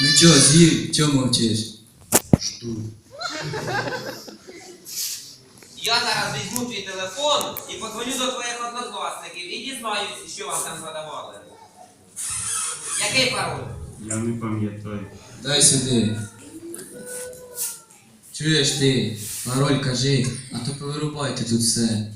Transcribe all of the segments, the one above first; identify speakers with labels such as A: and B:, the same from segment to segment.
A: Ну чо, з'їв, чо мовчиш?
B: Жду.
C: Я зараз візьму твій телефон і подзвоню до твоїх однокласників і дізнаюсь, що вам там задавали. Який пароль?
B: Я не пам'ятаю.
A: Дай сюди. Чуєш ти, пароль кажи, а то повирубайте тут все.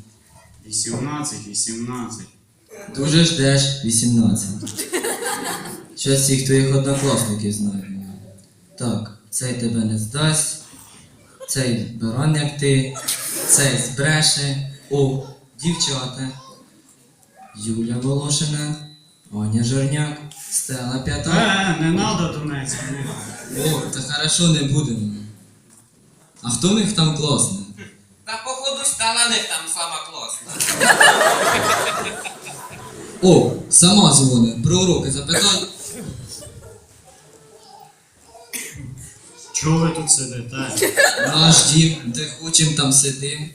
B: 18.
A: Дуже ждеш 18. Щас всіх твоїх однокласників знаю. Так, цей тебе не здасть, цей баран як ти, цей збреше. О, дівчата. Юля Волошина, Аня Жорняк, Стела П'ята.
B: Не надо Донецьк.
A: О, та хорошо, не будемо. А хто в них там класний?
C: Та походу стала них там сама класна.
A: О, сама дзвони, про уроки запитай.
B: Чого ви тут сидите?
A: Наш дім, де хочем, там сидим.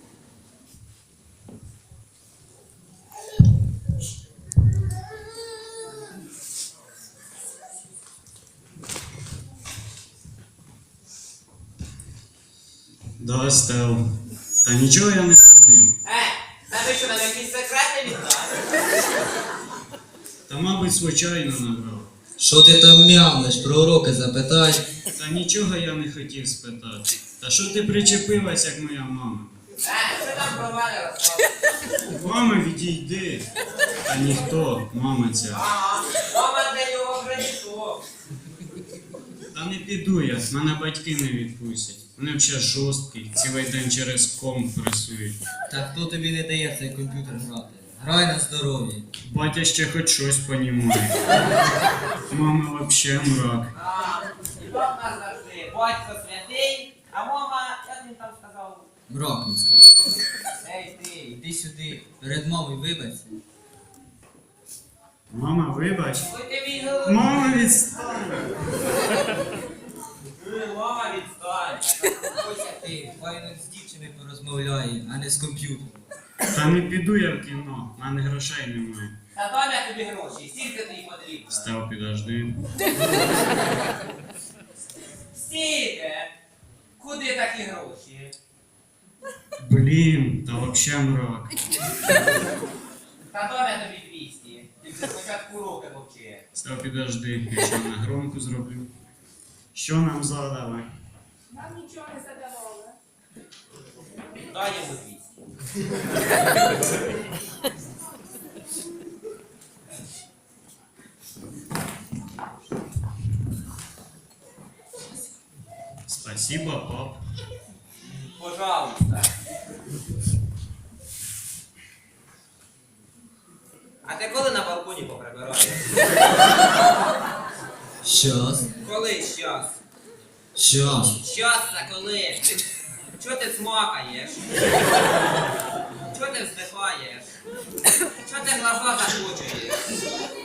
B: Да, Стел. Та нічого я не зробив.
C: Та ви що, нам якісь секрети віддали?
B: Та, мабуть, звичайно набрав.
A: Що ти там мямлиш, про уроки запитай.
B: Та нічого я не хотів спитати. Та що ти причепилась, як моя мама?
C: Що там про мене розказуєш?
B: Мама, відійди. Та ніхто, мама ця.
C: Ага, мама для нього вже ніхто.
B: Та не піду я, мене батьки не відпустять. Вони взагалі жорсткі, цілий день через комп пресують.
A: Та хто тобі не дає в цей комп'ютер грати? Грай на здоров'я.
B: Батя ще хоч щось понімає. Мама взагалі мрак.
C: І так нас завжди. Батько святий, а мама, як він там сказав?
A: Мраківська.
C: Ей ти.
A: Іди сюди, перед мамою вибачся.
B: Мама, вибач.
C: Ой ти мій голубий.
B: Мама, відстань.
C: Мама відстань.
A: Ось ти, файно з дівчиною порозмовляє, а не з комп'ютером.
B: Та не піду я в кіно, в мене грошей немає.
C: Та дам я тобі гроші, скільки тобі потрібно?
B: Став, підожди.
C: Стільки? Куди такі гроші?
B: Блін, та взагалі мрак.
C: Та дам я тобі 200. Тільки спочатку руки мовчи.
B: Став, підожди, я ще на громку зроблю. Що нам задали?
D: Нам нічого не задавали.
C: Дай йому 200.
B: Спасибо, пап.
C: Пожалуйста. А ти коли на балконі поприбираєш?
A: Щас.
C: Коли щас?
A: Щас.
C: Щас це коли? Чого ти смакаєш? Чого ти вздихаєш? Чого ти глаза закочуєш?